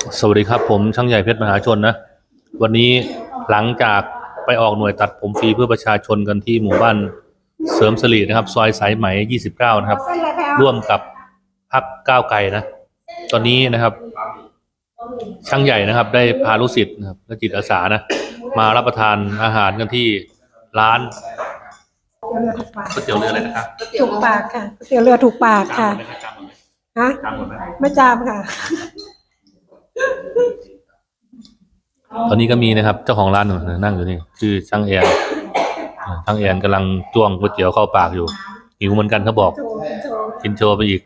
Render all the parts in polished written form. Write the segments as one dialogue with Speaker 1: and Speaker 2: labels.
Speaker 1: สวัสดีครับผมช่างใหญ่เพชรมหาชนนะวันนี้หลังจากไปออกหน่วยตัดผมฟรีเพื่อประชาชนกันที่หมู่บ้านเสริมสิรินะครับซอยสายไหม29นะครับร่วมกับพรรคก้าวไกลนะตอนนี้นะครับช่างใหญ่นะครับได้พาลูกศิษย์นะครับและจิตอาสานะมารับประทานอาหารกันที่ร้านก๋วยเตี๋ยวเรืออะไรนะครับ
Speaker 2: ถูกปากค่ะก๋วยเตี๋ยวเรือถูกปากค่ะฮะไม่จามค่ะ
Speaker 1: ตอนนี้ก็มีนะครับเจ้าของร้านนั่งอยู่นี่ชื่อช่างแอนช่างแอนกำลังจ้วงก๋วยเตี๋ยวเข้าปากอยู่หิวเหมือนกันเขาบอกกินโชว์ไปอีก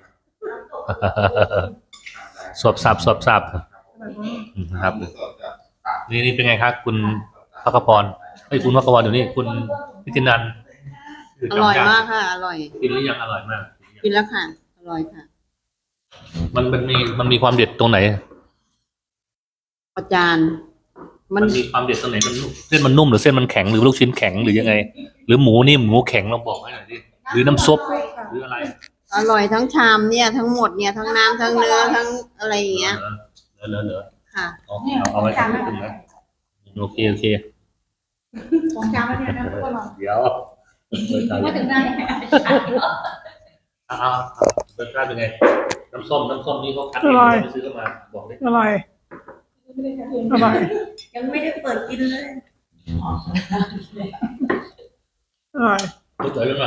Speaker 1: สวบซับนะครับนี่เป็นไงครับคุณพักพรคุณพักพรอยู่นี่คุณนิตินันท์
Speaker 3: อร่อยมากค่ะอร่อย
Speaker 1: กินหรือยังอร่อยมาก
Speaker 3: กินแล้วค่ะอร่อยค่ะ
Speaker 1: มันมีความเด็ดตรงไหน
Speaker 3: อาจารย์
Speaker 1: มันมีความเด็ดตรงไหนมันเส้นมันนุ่มหรือเส้นมันแข็งหรือลูกชิ้นแข็งหรือยังไงหรือหมูนิ่มหมูแข็งลองบอกให้หน่อยดิหรือน้ำซุปหรืออะไร
Speaker 3: อร่อยทั้งชามเนี่ยทั้งหมดเนี่ยทั้งน้ำทั้งเนื้อทั้งอะไรอย่างเงี้ย
Speaker 1: เหลือ
Speaker 3: ค่ะ
Speaker 1: เอาไว้ถึงนะโอเค
Speaker 2: ของจามแล้วเนี่ยนะ
Speaker 1: เดี๋ยว
Speaker 2: ว่าถึงได้
Speaker 1: รสชาติเป็นไงน้ำส้มนี่เขาคั้นเองไปซื้อมาบอกดิ
Speaker 2: อร่อย
Speaker 3: ยังไม่ได้เปิดกินเลย
Speaker 2: อร่อย
Speaker 1: รู้จักหรือเปล่า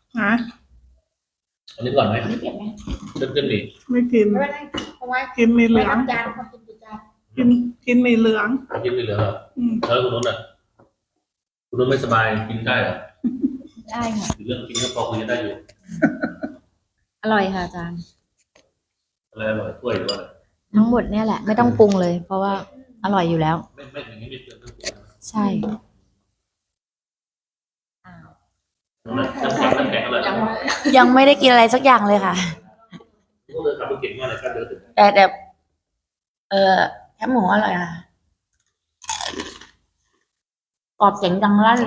Speaker 1: อันนี้ก่อนไหมเต็มดิ
Speaker 2: ไม่กินกินมีเหลืองกินมีเหลือง
Speaker 1: แล้วคุณนุ่นอ่ะคุณนุ่นไม่สบายกินได้เหรอ
Speaker 4: ได้ค่ะ
Speaker 1: เรื่องกินก็พอคุยได้อยู่
Speaker 4: อร่อยค่ะอาจารย์
Speaker 1: อะไรอร่อยถ้วยหรือว่า
Speaker 4: ทั้งหมดเนี่ยแหละไม่ต้องปรุงเลยเพราะว่าอร่อยอยู่แล้ว
Speaker 1: ไม่อย่างนี้ไม่เติมน้ำปรุง
Speaker 4: ใช่ยังไม่ได้กินอะไรสักอย่างเลยค่ะแต่แคบหมูอร่อยค่ะกรอบเสียงดังลั่น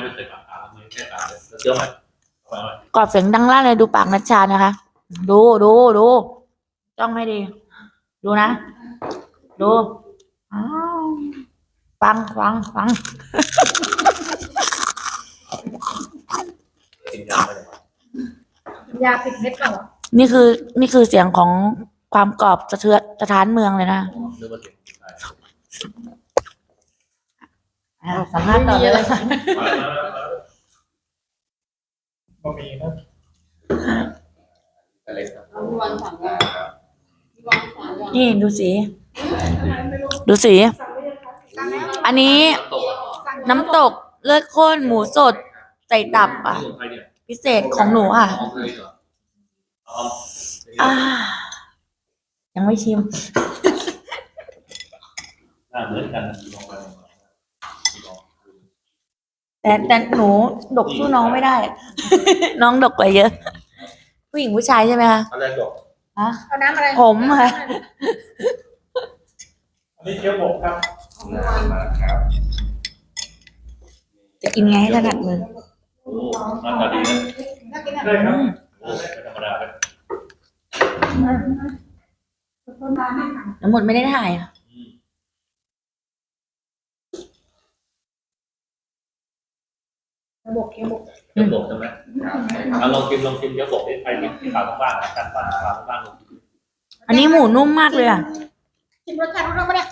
Speaker 4: กรอบเสียงดังลั่นเลยดูปากนัชชานะคะดูจ้องให้ดีดูนะดูฟัง
Speaker 2: ยาปิดเม็ดเปล่า
Speaker 4: นี่คือเสียงของความกรอบสะท้านเมืองเลยนะสัมภาษณ์ต่อเลยค่ะนี่ดูสีอันนี้น้ำตกเลือดข้นหมูสดใส่ตับอ่ะพิเศษของหนูอ่ะยังไม่ชิมแต่หนูดกสู้น้องไม่ได้ น้องดกกว่าเยอะผู้หญิงผู้ชายใช่ไหมคะ
Speaker 1: อะไรดก
Speaker 2: เอาน้ำอะไร
Speaker 4: ผมค่ะ
Speaker 1: อันนี้เคี้ยวบกครับ
Speaker 4: จะกินไงให้ถนัดมือ
Speaker 1: หน้าตาดีนะได้ครับธรรมดาเลย
Speaker 4: ทั้งหมดไม่ได้ถ่ายอ่ะ
Speaker 2: บกเคี้ยวบก
Speaker 1: ใช่ไหมลองกินเคี้ยวบกที่ใครกินที่ขาวบ้านกันปลาขาวบ้าน
Speaker 4: อันนี้หมูนุ่มมากเลยอ่ะ
Speaker 2: ชิมรสชาติรู้ปะเนี่ย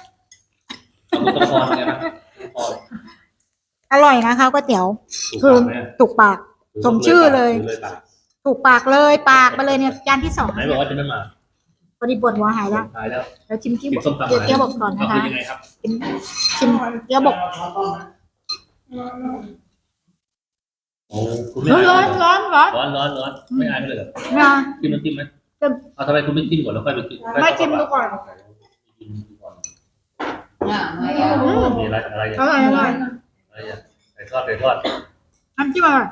Speaker 1: อ
Speaker 2: อร่อยนะคะก๋วยเตี๋ยวคือถูกปากสมชื่อเลยถูกปากเลยปากไปเลยเนี่ยจานที่2
Speaker 1: ไหนบอกว่าจะไม่มา
Speaker 2: พอดีปวดหัวหายแล้วแล้วชิมเกี๊ยวบกก่อนนะคะชิมเกี๊ยวบกร้อน
Speaker 1: ไม่อายเลยเหรอจิ้มน้ำจิ้มไหมทำไมคุณไม่จิ้มก่อนแล้วค่อยไปกิน
Speaker 2: ไม่จิ้มดูก่อน
Speaker 1: มีอะไร
Speaker 2: อร่อย
Speaker 1: ใส่ทอด
Speaker 2: น้ำจิ้มอร่อย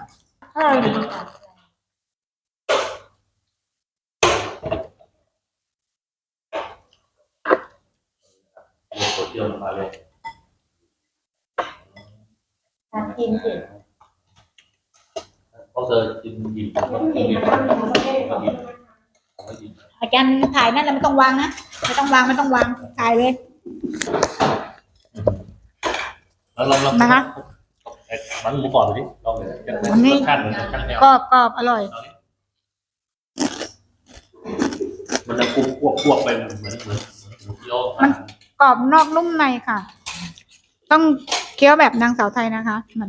Speaker 1: เที่ยวมาเลย
Speaker 2: กินสิ
Speaker 1: เพราะเธอกิน
Speaker 2: อาจารย์ถ่ายนั่นแล้วไม่ต้องวางนะไม่ต้องวางถ่ายเลย
Speaker 1: แล้วลอง
Speaker 2: นะคะ
Speaker 1: มันหมูกรอบดูดิลองเลย
Speaker 2: อันนี้
Speaker 1: รสชาติเหมือนกับช่างแนว
Speaker 2: กรอบอร่อย
Speaker 1: มันจะควบไปเหมือนหมูเกี๊ยว
Speaker 2: กรอบนอกนุ่มในค่ะ ต้องเคี้ยวแบบนางสาวไทยนะคะเหมือน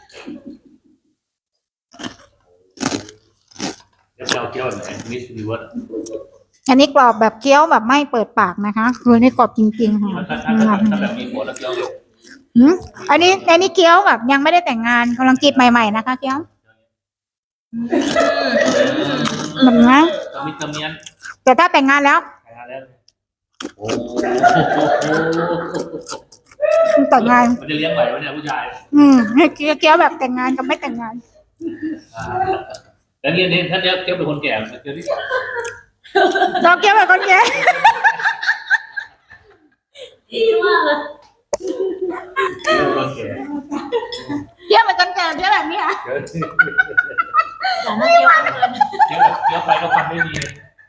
Speaker 1: เกี๊ยวแบบไหนมิสซิลิเวิร์ด
Speaker 2: อันนี้กรอบแบบเคี้ยวแบบไม่เปิดปากนะคะ คือนี่กรอบจริงๆค่ะ
Speaker 1: ถ้าแบบมีหัวแล้วเกี๊ยวเร็ว
Speaker 2: อืมอันนี้เคี้ยวแบบยังไม่ได้แต่งงานกำลังจีบใหม่ๆนะคะเคี้ยวแบบนะ
Speaker 1: กระมิดกระเมียน
Speaker 2: แต่ถ้าแต่งงานแล้ว
Speaker 1: แต่งงานแล้วโอ้
Speaker 2: แต่งงาน
Speaker 1: มันจะเลี้ยงไหวไหมเนี่ยผู้ชาย
Speaker 2: เคี้ยวแบบแต่งงานกับไม่แต่งงาน
Speaker 1: แล้วเนี่ยถ้าเกี๊ยวเป็นคนแก่เกี๊ยวที่
Speaker 2: เราเคี้ยวแบบคนแก่
Speaker 4: ดีมากเลย
Speaker 1: เกี๊ยวคนแก่
Speaker 2: เคี้ยวแบบคนแก่เคี้ยวแบบนี้ค่ะ
Speaker 4: อย่าน่าเกี่ยวกันเลย
Speaker 1: เกี๊ยวไปก็ฟันไม่ดี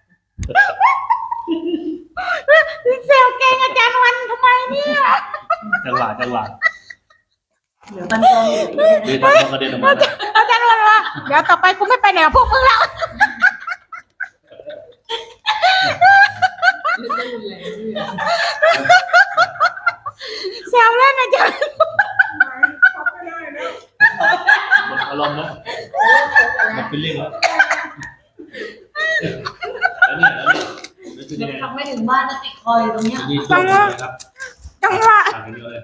Speaker 2: เซลเก่งอาจารย์วันทำไมเนี่ย
Speaker 1: จังหวะ
Speaker 4: เดี๋ยวกันกองอยู่
Speaker 1: ดีทำกระเด็นออกมา
Speaker 2: อาจารย์วันว่าเดี๋ยวต่อไปกูไม่ไปไหนกับพวกมึงแล้วแซวเล่นอาจารย์
Speaker 1: หมดอารมณ์แล้วหมดฟิลลิ่งแล้วนี่คือยังไง
Speaker 4: ทำไม่ถึงบ้านจะติดคอยตรงเนี้ย
Speaker 1: นี่ช่วงนี้ครับ
Speaker 2: จังหวะ
Speaker 1: ต่างกันเยอะเลย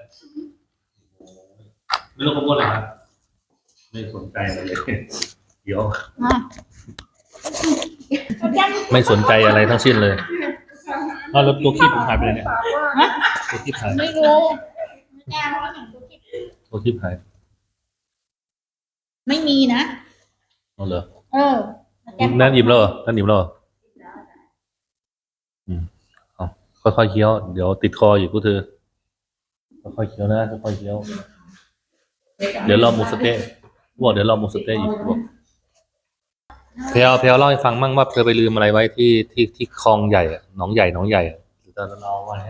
Speaker 1: ไม่รู้เขาพูดอะไรครับไม่สนใจอะไรเลยเดี๋ยวไม่สนใจอะไรทั้งสิ้นเลยเอาแล้วตัวคีบผมหายไปเลยเนี่ยตัวคีบหาย
Speaker 2: ไม่รู้
Speaker 1: ตัวคีบหาย
Speaker 2: ไม่มีนะ
Speaker 1: เอาเหรอ
Speaker 2: นั่น
Speaker 1: หยิบแล้วเหรอนั่นหยิบแล้วเหรอเอาค่อยๆเคี้ยวเดี๋ยวติดคออยู่พวกเธอค่อยๆเคี้ยวนะค่อยๆเคี้ยวเดี๋ยวรอหมูสะเต๊ะบอกเดี๋ยวรอหมูสะเต๊ะอีกบอกเพลเล่าให้ฟังมั่งว่าเธอไปลืมอะไรไว้ที่คลองใหญ่อะหนองใหญ่อะหรือตอนนั้นเอาไว้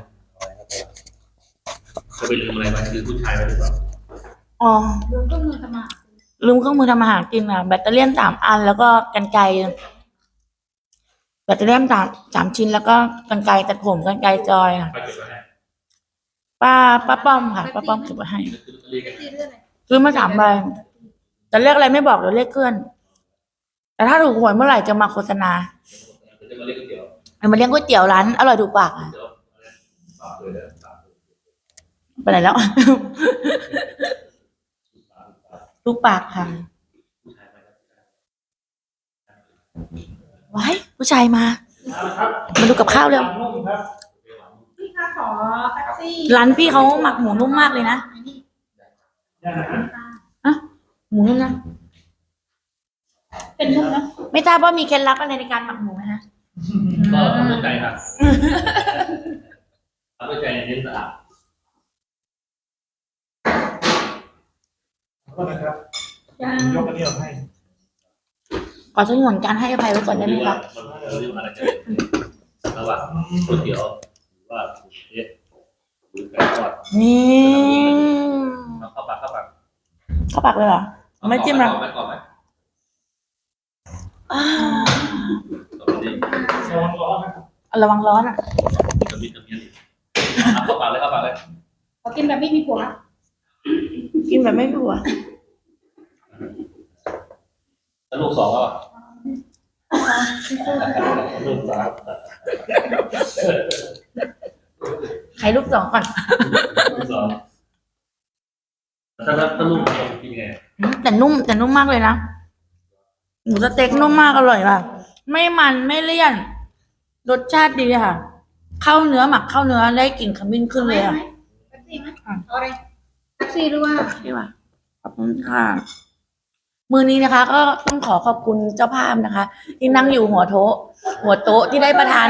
Speaker 1: เธอไปลืมอะไรไว้คือผู้ชายไว้หรือเปล่า
Speaker 4: อ๋อลืมเครื่องมือทำอาหารกินอ่ะแบตเตอรี่3 อันแล้วก็กรรไกรแบตเตอรี่สามชิ้นแล้วก็กรรไกรตัดผมกรรไกรจอยค่ะ
Speaker 1: ไปเก็บไว้ให้
Speaker 4: ป้าป้อมค่ะป้าป้อมเก็บไว้ให้ซื้อมา3 ใบแต่เลขอะไรไม่บอกเดี๋ยวเลขเคลื่อน แต่ถ้าถูกหวยเมื่อไหร่จะมาโฆษณา
Speaker 1: จะมาเรียกก๋วยเตี๋ยว
Speaker 4: มาเลี้ยงก๋วยเตี๋ยวร้านอร่อยถูกปากค่ะ
Speaker 1: เดี๋ยวฝากเลยนะ
Speaker 4: ไปไหนแล้ว ถูกปากค่ะว้ายผู้ชายมาดูกับข้าวเร็ว
Speaker 2: พี่คะขอแท็กซี่
Speaker 4: ร้านพี่เขาหมักหมูนุ่มมากเลยนะอะหมูนุ่มนะ
Speaker 2: เป็นนุ่มนะ
Speaker 4: ไม่ทราบว่ามีเคล็ดลับอะไรในการหมักหมูไหมฮะ
Speaker 1: ก็ทำด้วยใจครับทำด้วยใจเน้นสะอาด
Speaker 5: ก็นะครับยกอันนี้ออกให้
Speaker 4: ขอสงวนการให้อภัยไว้ก่อนได้ไหมครับ
Speaker 1: มันเรียกว่าอะไรกันระหว่างก๋วยเตี๋ยวหรือว่าเอ๊ะหรือไก่ทอด
Speaker 4: นี่
Speaker 1: เข้าปาก
Speaker 4: เข้าปากเลยเหรอไม่จิ้มหรอ
Speaker 1: ไม่กรอบไหม
Speaker 4: อ้าว
Speaker 1: ตอนนี้
Speaker 5: ระวังร้อนนะครับ
Speaker 4: ระวังร้อนอ่ะ
Speaker 1: จะมีเข้าปากเลย
Speaker 2: ขอกินแบบไม่มีผัว
Speaker 4: กินแบบไม่ผัว
Speaker 1: แล้วลูก 2ก็ลูก 3
Speaker 4: ใครลูก2ก่อน
Speaker 1: ลูก 2ถ้าลูก2กินไง
Speaker 4: แต่นุ่มมากเลยนะหมูสเต็กนุ่มมากอร่อยค่ะไม่มันไม่เลี่ยน รสชาติดีค่ะเข้าเนื้อหมักเข้าเนื้อได้กลิ่นขมิ้นขึ้นเลยค่ะ
Speaker 2: แท็กซี่ไหมเอาอะไรแท็กซี่หรือว่า
Speaker 4: พี่ว่าขอบคุณค่ะมือนี้นะคะ ก็ต้องขอขอบคุณเจ้าภาพนะคะ ที่นั่งอยู่หัวโต๊ะที่ได้ประทาน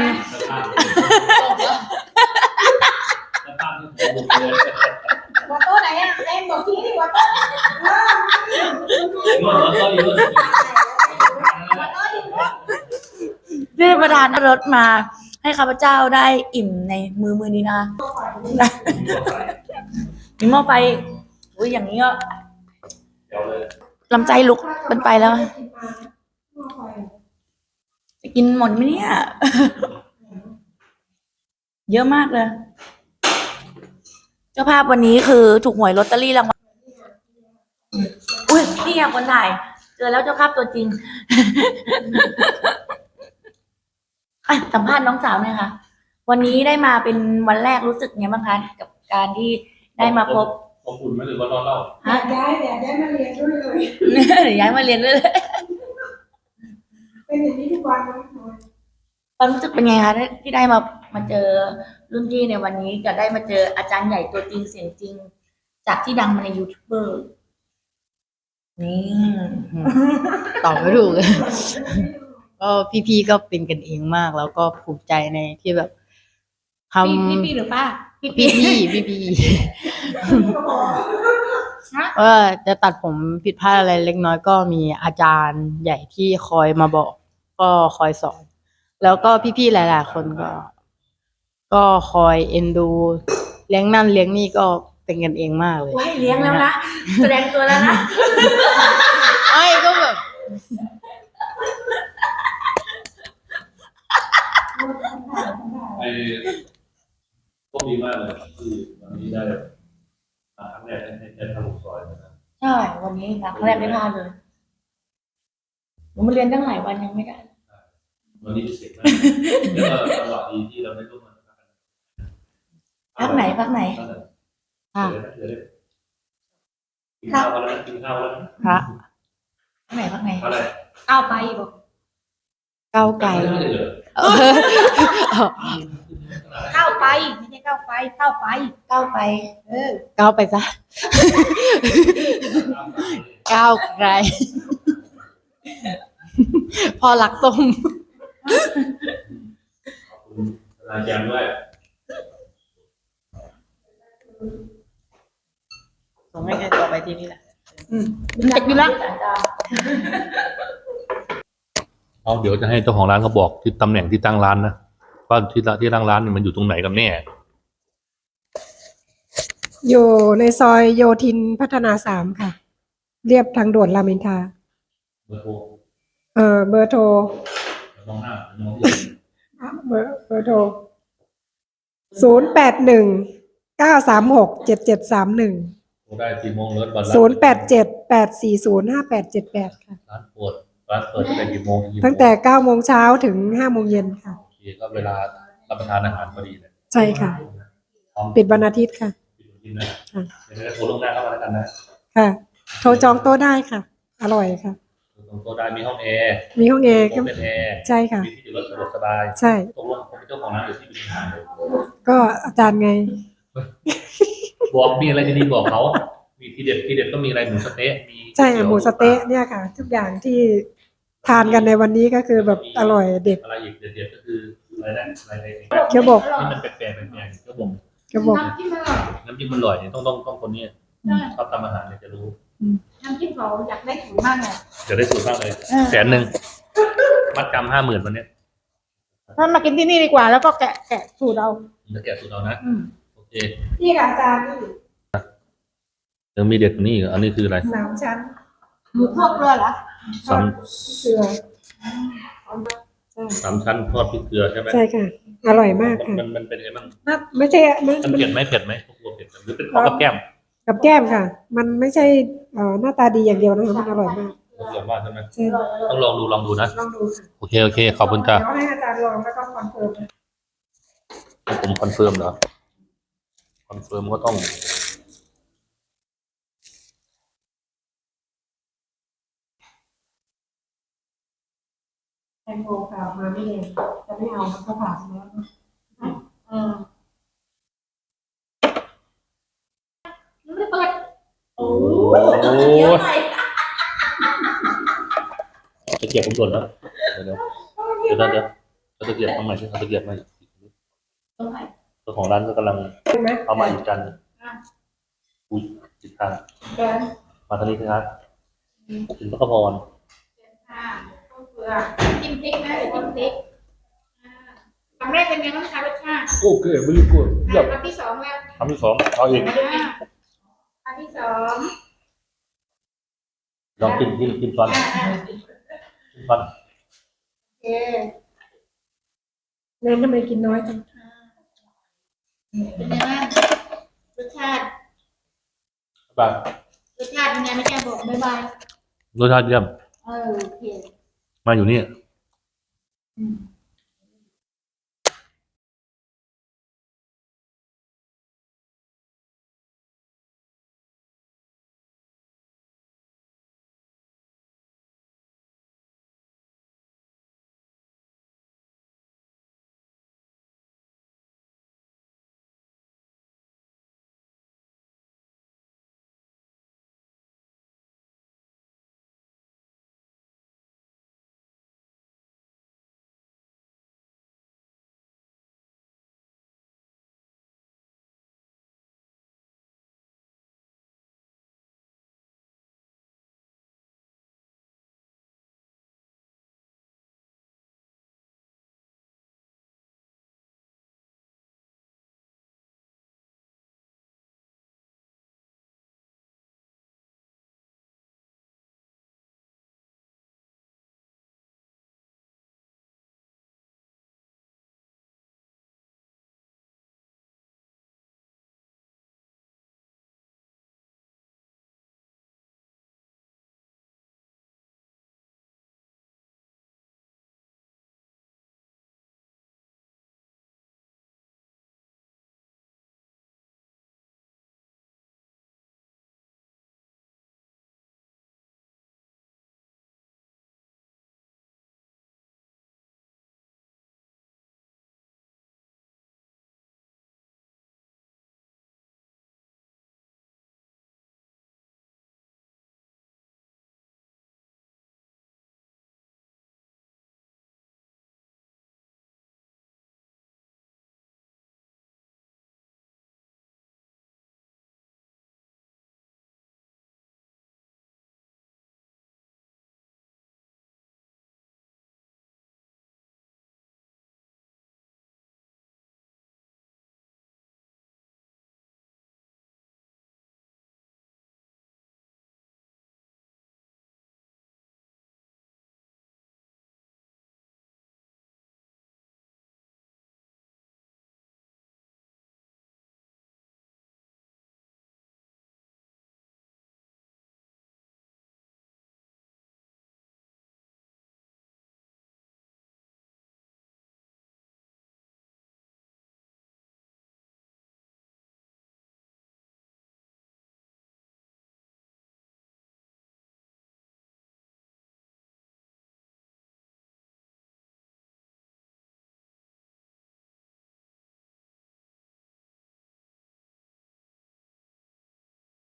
Speaker 2: หัวโต๊ะไหนอ่ะเอ็มบอกทีที่หัวโต๊ะ
Speaker 4: ที่ได้ประทานรสมาให้ข้าพเจ้าได้อิ่มในมือนี้นะคะมีหม้อไฟอุ้ยอย่างนี้ก็
Speaker 1: เดี๋ยวเลย
Speaker 4: ลำไส้ลุกเป็นไปแล้วจะกินหมดไหมเนี่ย เยอะมากเลย เจ้าภาพวันนี้คือถูกหวยลอตเตอรี่รางวัลอุ้ยนี่ไงคนถ่าย เจอแล้วเจ้าภาพตัวจริง อ่ะสัมภาษณ์น้องสาวหน่อยค่ะ วันนี้ได้มาเป็นวันแรกรู้สึกไงบ้างคะกับการที่ได้มาพบ
Speaker 1: อบอุ่นไหมหรือว่าร้อนเล่า
Speaker 2: อยากย้ายมาเรียนด้วยเลย
Speaker 4: ย้ายมาเรียนด้วยเลย
Speaker 2: เป็นอย่างนี้ทุกวันนะ
Speaker 4: ความรู้สึกเป็นไงคะที่ได้มาเจอรุ่นพี่ในวันนี้กับได้มาเจออาจารย์ใหญ่ตัวจริงเสียงจริง จากที่ดังมาในยูทูบเบอร์นี่
Speaker 6: ตอบไม่ถูก ก็พี่ๆก็เป็นกันเองมาก แล้วก็ภูมิใจในที่แบบทำ
Speaker 2: พี่หรือป้า
Speaker 6: พี่ว่าจะตัดผมผิดพลาดอะไรเล็กน้อยก็มีอาจารย์ใหญ่ที่คอยมาบอก ก็คอยสอน แล้วก็พี่ๆหลายๆคนก็คอยเอ็นดู เลี้ยงนั่นเลี้ยงนี่ก็เป็นกันเองมากเลย
Speaker 4: ให้เลี้ยงแล้วนะ แสดงตัวแล้วนะ
Speaker 6: ไอ้ก็แบบ
Speaker 1: ไอ้ก็ดีมากเลยที่วันนี้ได้มาครั้งแรกให้แค่ทะลุซอยนะครับ
Speaker 4: ใช่ วันนี้นะครั้งแรกได้พลาดเลยหนูมาเรียนตั้งหลายวันยังไม่ได้
Speaker 1: วันนี้พิเศษมากแล้วก็จังหวะดีที่เราได้ร่วมงานกัน
Speaker 4: พักไหน
Speaker 6: อ่ะ
Speaker 1: เดี๋ยวเลยกินข้าวกันแล้วกินข้าวแล้ว
Speaker 6: พระ
Speaker 4: พักไหน
Speaker 1: อะไร
Speaker 2: ก้าวไปบอก
Speaker 6: ก้าวไกล
Speaker 1: ไม่ได้เลย
Speaker 2: ก้าวไปไม่ใช่ก้าวไปก้าวไป
Speaker 4: ก้าวไป
Speaker 6: ก้าวไปซะ ก้าวไกล พอรักส้ม
Speaker 1: ขอบคุณอาจารย์ด้วย
Speaker 6: ส่งให้ใครต่อไปที่นี่แหละ
Speaker 2: เด็กอยู่แล้ว
Speaker 1: เอาเดี๋ยวจะให้เจ้าของร้านเขาบอกที่ตำแหน่งที่ตั้งร้านนะว่าที่ตั้งร้านเนี่ยมันอยู่ตรงไหนกันแน่
Speaker 7: อยู่ในซอยโยธินพัฒนา3 ค่ะ เรียบทางด่วนรามอินทรา
Speaker 1: เบอร์โทร
Speaker 7: เบอร์โทร
Speaker 1: มองหน้ามองที่
Speaker 7: เบอร์โทร0819367731
Speaker 1: โทรได้กี่โมงรถวันละ
Speaker 7: 0878405878ค่ะ
Speaker 1: ร้านเปิดตั้งแต่กี่โมงถึงกี่โมง
Speaker 7: ตั้งแต่9 โมงเช้าถึง5 โมงเย็นค่ะ
Speaker 1: โอเคก็เวลารับประทานอาหารพอดีเลย
Speaker 7: ใช่ค่ะ ปิดวันอาทิตย์ค่ะ
Speaker 1: ปิดวันอาทิตย์นะเดี๋ยวจะโทรล่วงหน้าเข้ามาแล้วกันนะ
Speaker 7: ค่ะ โทรจองโต๊ะได้ค่ะ อร่อยค่ะ
Speaker 1: ตรงโต๊ะได้มีห้องแอร์
Speaker 7: มีห้องแอร์
Speaker 1: ห้องเป็นแอร์
Speaker 7: ใช่ค่ะ
Speaker 1: มีที่จอดรถสะดวกสบาย
Speaker 7: ใช่
Speaker 1: ตกลงผมเป็นเจ้าของร้านอยู่ที่บินทางเลย
Speaker 7: ก็อาจารย์ไง
Speaker 1: บอกมีอะไรดีๆบอกเขามีทีเด็ดก็มีอะไรหมูสะเต๊ะมี
Speaker 7: ใช่ค่ะหมูสะเต๊ะเนี่ยค่ะ ทุกอย่างที่ทานกันในวันนี้ก็คือแบบอร่อยเด็ด
Speaker 1: อะไรอีกเด็ดๆก็คืออะไรนะอะไร
Speaker 7: เกี๊ยวบก
Speaker 1: ที่มันแปลกๆเกี๊ยวบก
Speaker 7: กระบอก
Speaker 2: น้ำจิ้มอร่อย
Speaker 1: น้ำจิ้มมันอร่อยเนี่ยต้องคนนี้ชอบทำอาหารเนี่ยจะรู้
Speaker 2: น้ำจิ้มเขาอยากได้ถุงมากเลย
Speaker 1: เดี๋ยวได้สูตรมากเลย100,000มัดจำ50,000วันเนี้ย
Speaker 2: ถ้ามากินที่นี่ดีกว่า แล้วก็แกะสูตรเอา
Speaker 1: จะแกะสูตรเอานะโอเค
Speaker 7: นี่ค่ะอาจารย์นี่
Speaker 1: ยังมีเด็ดกว่านี้อีกอันนี้คืออะไร
Speaker 7: 3 ชั้น
Speaker 2: หมูพวกเรือเหรอ
Speaker 1: สาม
Speaker 7: เกลือ
Speaker 1: สามชั้นทอดพริกเกลือใช่ไหม
Speaker 7: ใช่ค่ะ อร่อยมากค่ะ
Speaker 1: มันเป็นไงบ้าง
Speaker 7: ไม่ใช่มัน
Speaker 1: มันเผ็ดไหมพวกตัวเผ็ดหรือเป็นของกับแก้ม
Speaker 7: กับแก้มค่ะ มันไม่ใช่หน้าตาดีอย่างเดียวนะคะมันอร่อยมาก
Speaker 1: เรียกว่าใช่ไหม
Speaker 7: ใช่
Speaker 1: ต้องลองดูนะ
Speaker 7: ลองดูค่ะ
Speaker 1: โอเคขอบคุณจ้า
Speaker 7: เดี๋ยวให้อาจารย์ลองแล้วก็คอนเฟิร์ม
Speaker 1: ผมคอนเฟิร์มเหรอคอนเฟิร์มก็ต้อง
Speaker 7: แตงโมค่ะมาไม่เลยจะไม่เอามันก็ผ่านแล้ว
Speaker 2: ไม่เปิด
Speaker 1: โอ้ตะเกียบผมหล่นแล้วเดี๋ยวตะเกียบทำใหม่ใช่ตะเกียบใหม่เจ้าของร้านก็กำลังเอามาอีกจานอุ้ยจิตทางมาทางนี้ครับถึงพระพร
Speaker 2: จิ้มพริกนะเดี๋ยวจิ้มพริกคำแรกเป็นไงบ้างคะรสชาติ
Speaker 1: โอเคไม่รู้กลัว
Speaker 2: คำที่สองแล้ว
Speaker 1: คำที่สองเอาอีก
Speaker 2: อันที่สอง
Speaker 1: ลองกินฟันกินฟัน
Speaker 2: โอเค
Speaker 7: เน้นทำไมกินน้อยจัง
Speaker 2: เป็นไงบ้างรสชาติ
Speaker 1: แบบ
Speaker 2: รสชาติเป็นไงไม่แกบอกบ๊ายบาย
Speaker 1: รสชาติเยี่ยม
Speaker 2: โอเค
Speaker 1: มาอยู่นี่
Speaker 2: อืม